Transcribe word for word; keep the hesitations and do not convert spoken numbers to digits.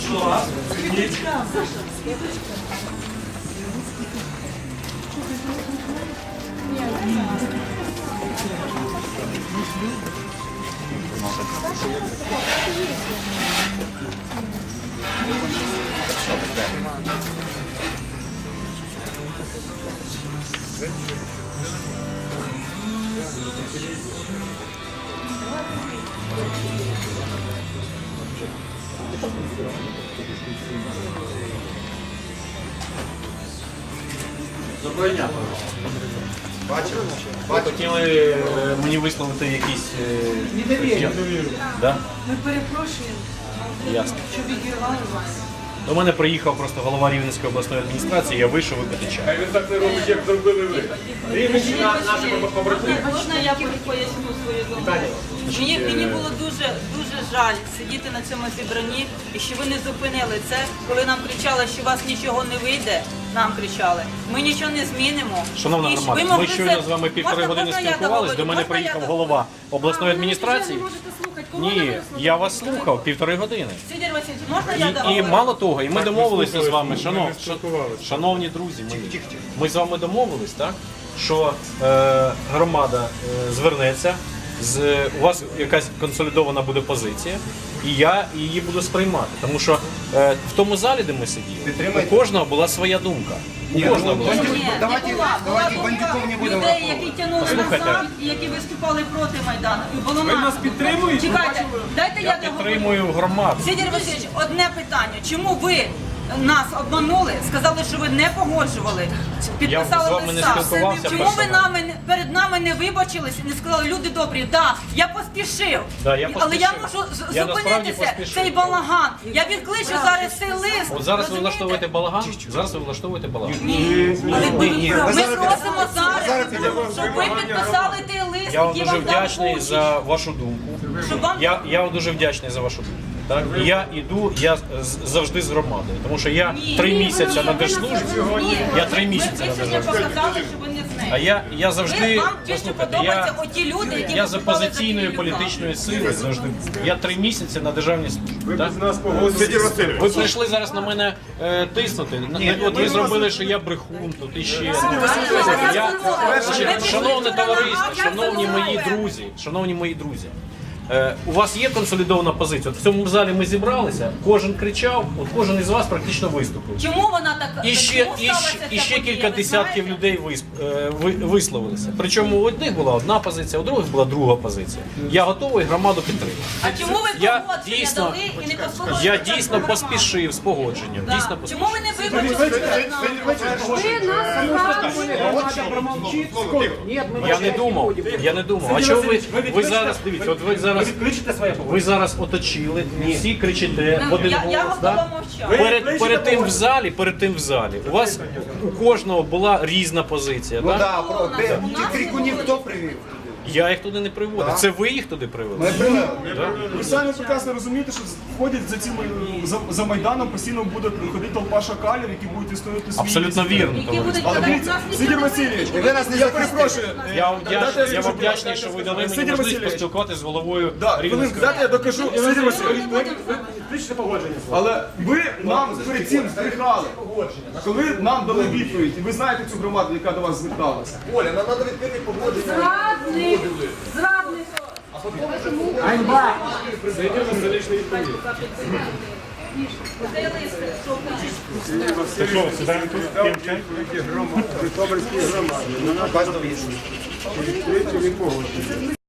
Доброго дня. Бачили? Ви хотіли мені висловити якісь... Недовір'я. Да? Ми перепрошуємо, Ясно. що відірвали вас. До мене приїхав просто голова Рівненської обласної адміністрації, я вийшов випити чай. Хай він так не робить, як зробили ви. Рівненщина нашими побратимами. Можна я поясню свою думку? Мені, мені було дуже, дуже жаль сидіти на цьому зібранні і що ви не зупинили це, коли нам кричали, що у вас нічого не вийде, нам кричали. Ми нічого не змінимо. Шановна І громада, ви ми могли щойно це- з вами півтори Можна- години можна я спілкувались, договорю? до мене Можна я приїхав договорю? голова обласної адміністрації. Ви не можете слухати. Кого ви Ні, слухаєте? я вас слухав півтори години. Сидір Васильович, можна я І, і договорю? мало того, і ми домовилися з вами, ми шанов, не спілкувалися. шановні друзі, мої, ми з вами домовились, так, що е, громада е, звернеться, з, у вас якась консолідована буде позиція, і я її буду сприймати. Тому що е, в тому залі, де ми сиділи, у кожного була своя думка. У кожного була своя. Ні, Давайте- не була. Була давайте думка бандюков не будемо людей, які тягнули Послухайте. назад і які виступали проти Майдану. І було Ви нас підтримуєте? Чекайте, дайте я, Я договорю. підтримую громаду. Сидір Васильович, одне питання. Чому ви нас обманули, сказали, що ви не погоджували, підписали з вами не листа? спілкувався Чому ви персонально. нами, не- перед нами не вибачились і не сказали, люди добрі, да, я поспішив, Да, я але я поспішив. можу з- Я насправді зупинитися, поспішив. цей балаган. Я відкличу зараз цей лист. От зараз ви розумієте? влаштовуєте балаган, зараз ви влаштовуєте балаган. Але ми, ні. ми Зараз- просимо зараз, зараз щоб ви підписали той лист, Я вам який дуже вам дав вдячний Бучич. за вашу думку. Щоб вам Я, я вам дуже вдячний за вашу думку. Так? І я йду, я з- завжди з громадою, тому що я Ні, три ні, місяці ні, на ви держслужбі, Ні, я три ви- місяці ви на сьогодні держслужбі. показали, що ви не з нею. А я, я Ви, завжди, вам більше послухайте, подобаються я, оті люди, які я за виступали за позиційної Кирилюка. політичної сили завжди. Я три місяці на державній службі. Ви так? без нас погодилися. Ви прийшли зараз на мене е, тиснути. На- От ви зробили, що я брехун тут і ще. Я, значить, шановне товариство, шановні мої друзі, шановні мої друзі. Е, у вас є консолідована позиція. От в цьому залі ми зібралися, кожен кричав, от кожен із вас практично виступив. Чому вона так? І ще, чому і, сталася ще- ця і ще подія, кілька ви десятків знаєте? людей висп, е, ви- висловилися. Причому у одних була одна позиція, у других була друга позиція. Я готовий громаду підтримати. А чому ви Я погодження дійсно, дали і не послухали? я спочатку дійсно громаду? поспішив з погодженням. Да. Дійсно Чому ви поспішив. не вибачились перед нами? Я не думав, я не думав. А чого ви, ви зараз, дивіться, от ви зараз, ви зараз оточили, всі кричите в один Я, я голос, да? готова мовчати. Перед, перед тим в залі, перед тим в залі, у вас у кожного була різна позиція, Ну так? да, про де ті крикунів хто привів? Я їх туди не приводив. Це ви їх туди привели? Ми привели. Ви самі прекрасно розумієте, що ходять за цими за, за Майданом, постійно буде ходити толпа шакалів, які будуть відстоювати свої Абсолютно місця. вірно, Які товариство. будуть Але казати, дивіться, нас ніхто Сидір не Васильович, Ви нас не я захистите. перепрошую. Я вам Дайте вдячний, я скажу, вам вдячний, що ви дали мені Сидір можливість Васильович. поспілкуватися з головою Да, хвилинку, Рівненської. дайте я докажу. Сидір Васильович, Включите погодження. але ви нам перед цим збрехали, коли нам дали відповідь, і ви знаєте цю громаду, яка до вас зверталася. Оля, нам треба відкрити погодження. Зрадник! Зрадник! Цей лист, що в нас? Житомирській громаді. На нас